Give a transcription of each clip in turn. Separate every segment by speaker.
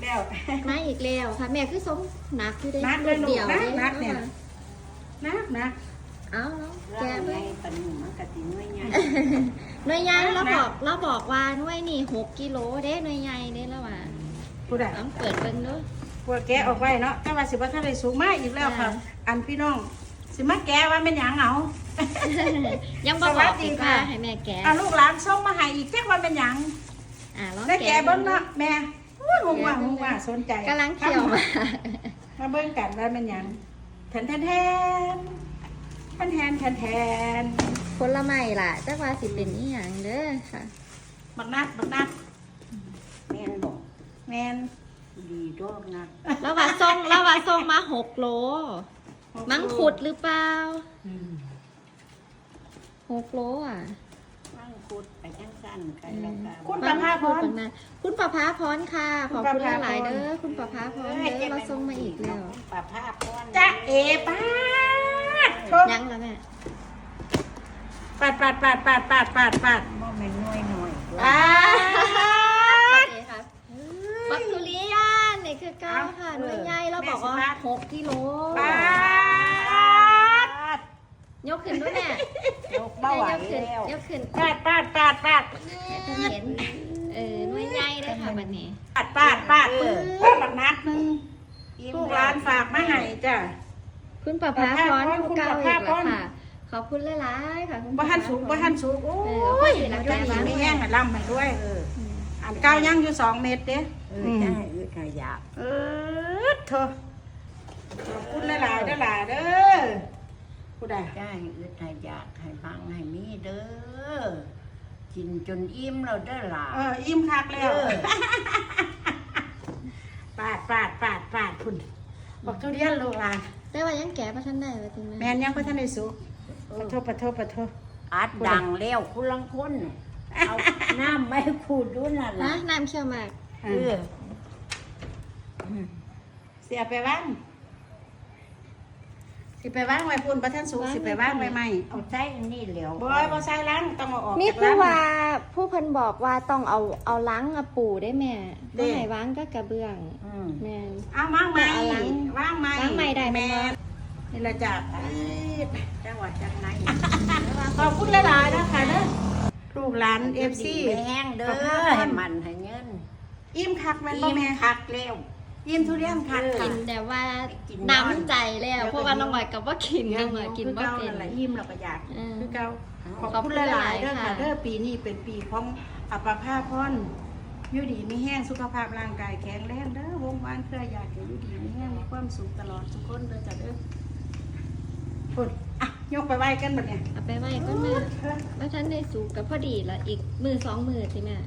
Speaker 1: แล้ว
Speaker 2: มาอีกแล้วค่ะแม่คือสมหนักอยู่ได้
Speaker 1: นักเลยลูก
Speaker 2: เดียว
Speaker 1: นักเนี่ยนัก
Speaker 2: เอาแก
Speaker 3: แก่
Speaker 2: ไป
Speaker 3: ไปปนมันกะติน้อยใหญ่
Speaker 2: หน่วยใหญ่เราบอกว่าหน่วยนี่6 กิโลเด้หน่วยใหญ่เด้แล้วว่า
Speaker 1: ผู้ใด
Speaker 2: ต้องเปิดเบิ่งเด้อ
Speaker 1: พวกแกออกไว้เนาะแต่ว่าสิบ่ทันได้สูงมากอีกแล้วค่ะ อันพี่น้องสิมาแกว่าเป็นหยังเหงา
Speaker 2: ยังบ่บอกอีกว่าให้แม่แกะ
Speaker 1: เอาลูกหลานส่งมาให้อีกจักว่าเป็นหยัง
Speaker 2: ลอง
Speaker 1: ได้แกเบิ่ง
Speaker 2: เนาะ
Speaker 1: เนาะแม่งงว่าสนใจ
Speaker 2: กำลังเคี่ยวมา
Speaker 1: เบิ่งกันว่าเป็นหยังแทน
Speaker 2: ผลไม้ล่ะจักว่าสิเป็นอีหยังเด้อค่ะ
Speaker 1: บักนัด
Speaker 3: แม่นบอก
Speaker 1: แมน
Speaker 3: ดีดอกนะ
Speaker 2: แล้วว่าส่งมา6 โล มังคุดหรือเปล่า6 โลอ่ะ
Speaker 3: มั่งคุดไปจังสั้นกันแล้วกัน
Speaker 1: คุณประภาพร
Speaker 2: คุณประภาพรค่ะ ขอบคุณหลายๆเด้อคุณประภาพรเด้อเราส่งมาอีกแล้ว
Speaker 3: ปะภาพพร
Speaker 1: จ๊ะเอป้าดโทษ
Speaker 2: ยังแล้วแม่
Speaker 1: ปาด
Speaker 3: บ่แม่นน้อยหน่อย
Speaker 1: อ่า
Speaker 2: โอเคครับบักทุเรียนนี่คือเก้าค่ะหน่วยใหญ่เราบอกว่า6 กิโล
Speaker 1: ปาด
Speaker 2: ยกขึ้นด้วยแม่
Speaker 3: ยกเบาไหว
Speaker 2: ยกขึ้น
Speaker 3: แล้ว
Speaker 2: ยกขึ้น
Speaker 1: ปาด
Speaker 2: ให้เพิ่นเห็นหน่วยใหญ่เลยค่ะบัดนี้
Speaker 1: ปาดบักนัดนึงลูกหลานฝากมาให้จ้ะ
Speaker 2: คุณประภาพรผู้เก่าอีกแล้วค่ะ ขอบคุณหลายๆค่ะคุณ
Speaker 1: บ่ทันสุกโอ้ยแล้วก็ดีไม่แห้งให้ล่ำให้ด้วยอันเก้ายังอยู่2 เม็ดเด้
Speaker 3: ได้ขยะ
Speaker 1: เธอขอบคุณหลายๆเด้อหลาเด้อผู้ใด
Speaker 3: ได้ขยะให้บังให้มีเด้อกินจนอิ่มแล้วเด้อล่ะ
Speaker 1: อิ่มคักแล้วปาดคุณบอกทุเรียนลูกหลาน
Speaker 2: แต่ว่ายังแก่ประทันได้ว่าจริงไหม
Speaker 1: แม่นยังบ่ทันได้สุกปะโท
Speaker 3: อัดดังแล้วคุณลังคนเอาน้ำไม่ขูดด้วยนั่น
Speaker 2: นะ
Speaker 3: ล่ะ
Speaker 2: น้ำเชี่ยวมาก
Speaker 1: เสียไปบ้างสิไปว่างไว้พุ่นบ่ทันสุกสิไปว่างไว้ใหม่
Speaker 3: เอาใส่อันนี้แล้ว
Speaker 1: บ่ใส่ล้างต้องเอาออก
Speaker 2: นี่
Speaker 1: จาก
Speaker 2: คือ
Speaker 1: ล้าง
Speaker 2: ว่าผู้เพิ่นบอกว่าต้องเอาล้างอะปูได้แม่บ่ให้วางก็กระเบื้องแม่น
Speaker 1: เอาว่างใหม่
Speaker 2: เอาล้าง
Speaker 1: ว่างใหม่
Speaker 2: ล้างใหม่ได้ไหม
Speaker 1: แม่
Speaker 2: เนาะ
Speaker 1: นี่ละจ้ะ
Speaker 3: จังหวัดจังไหน
Speaker 1: ขอบคุณหลายๆนะคะเด้อลูกหลาน FC
Speaker 3: แห้งเด้อให้มันให้เงิน
Speaker 1: อิ่มคักแม่นบ่
Speaker 3: อิ่ม
Speaker 1: แม่
Speaker 3: คักแล้ว
Speaker 1: อิ่มทุเรียนคัก
Speaker 2: กิ
Speaker 1: ค่ะ
Speaker 2: นแต่ว่าน้ำใจแล้วเพราะว่าน้องหน่อยกับว่ากินน้องหน่อยกินบ่
Speaker 1: คือ
Speaker 2: เป็
Speaker 1: เก่าน นั่นแหละอิ่มแล้วก็อยาก
Speaker 2: อืม
Speaker 1: คือเก่าขอบ
Speaker 2: ขอบคุ
Speaker 1: คุณ
Speaker 2: ณ
Speaker 1: ห
Speaker 2: ห
Speaker 1: ลา
Speaker 2: ลาย ย
Speaker 1: ๆ
Speaker 2: ๆ
Speaker 1: เด้อค่ะ
Speaker 2: ค่ะ
Speaker 1: เด้อปีนี้เป็นปีของอัปภาพรอยู่ดีมีแห้งสุขภาพร่างกายแข็งแรงเด้อวงวานเครือญาติอยู่ดีมีแห้งมีความสุขตลอดทุกคนเด้อจ้ะเด้อพุ่นอ่ะยกไปไหว้กันบัดเนี่ย
Speaker 2: เอาไปไว้ก็แม่ว่าฉันได้สูกกับพอดีละอีกมือ2 มือสิแม่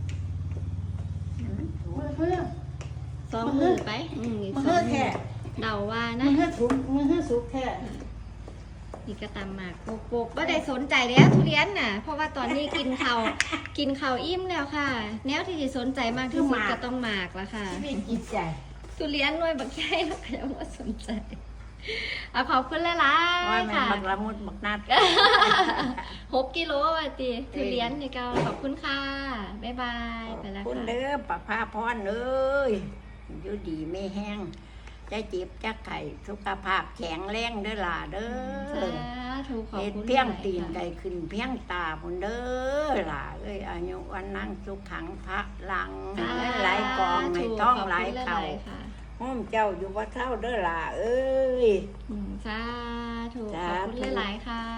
Speaker 1: มือ
Speaker 2: 2 มือไปอีก
Speaker 1: มือ
Speaker 2: สอง
Speaker 1: แท้
Speaker 2: เดาว่า
Speaker 1: มื
Speaker 2: นะ
Speaker 1: อถูกมือสุกแท้
Speaker 2: นี่ก็ตามหมากโปกๆบ่ได้สนใจแล้วทุเรียนน่ะ เพราะว่าตอนนี้กินข้าวอิ่มแล้วค่ะ แนวที่สิสนใจมากที่สุดก็ต้องหมากละค่ะ
Speaker 1: ชีวิตจิตใจ
Speaker 2: ทุเรียนหน่วยบักใหญ่แล้วก็ยังบ่สนใจเอาขอบคุณหลาย
Speaker 3: ว่า
Speaker 2: ๆ
Speaker 3: แม่
Speaker 2: ค่ะ
Speaker 3: บักละมุดบักนัด
Speaker 2: 6 กิโลว่ะติทุเรียนนี่ก็ขอบคุณค่ะ บ๊ายบาย ไปแล้ว
Speaker 3: คุณ
Speaker 2: ค่ะ
Speaker 3: เด้อปะพาพรเอ้ยอยู่ดีไม่แห้งจะจีบจะไข่สุขภาพแข็งแรงเด้อล่ะเด้
Speaker 2: สา
Speaker 3: อ
Speaker 2: ธุขอบ
Speaker 3: เฮ็ด
Speaker 2: คุณ
Speaker 3: เพียง
Speaker 2: หลา
Speaker 3: ตีน
Speaker 2: ค่ะ
Speaker 3: ใดขึ้นเพียงตาพุ่นเด้อล่ะเอ้ยอายุวันนั่งสุขขังพระลังให้เงินไหลกองให้ท้องไหลเข่า
Speaker 2: ขอบคุณหลยๆค่ะ
Speaker 3: ห้อมเจ้าอยู่ว่าเท่าเด้อล่ะเอ้ย
Speaker 2: สาธุ
Speaker 3: สา
Speaker 2: ขอบ
Speaker 3: ธุ
Speaker 2: คุณหลายๆค่ะ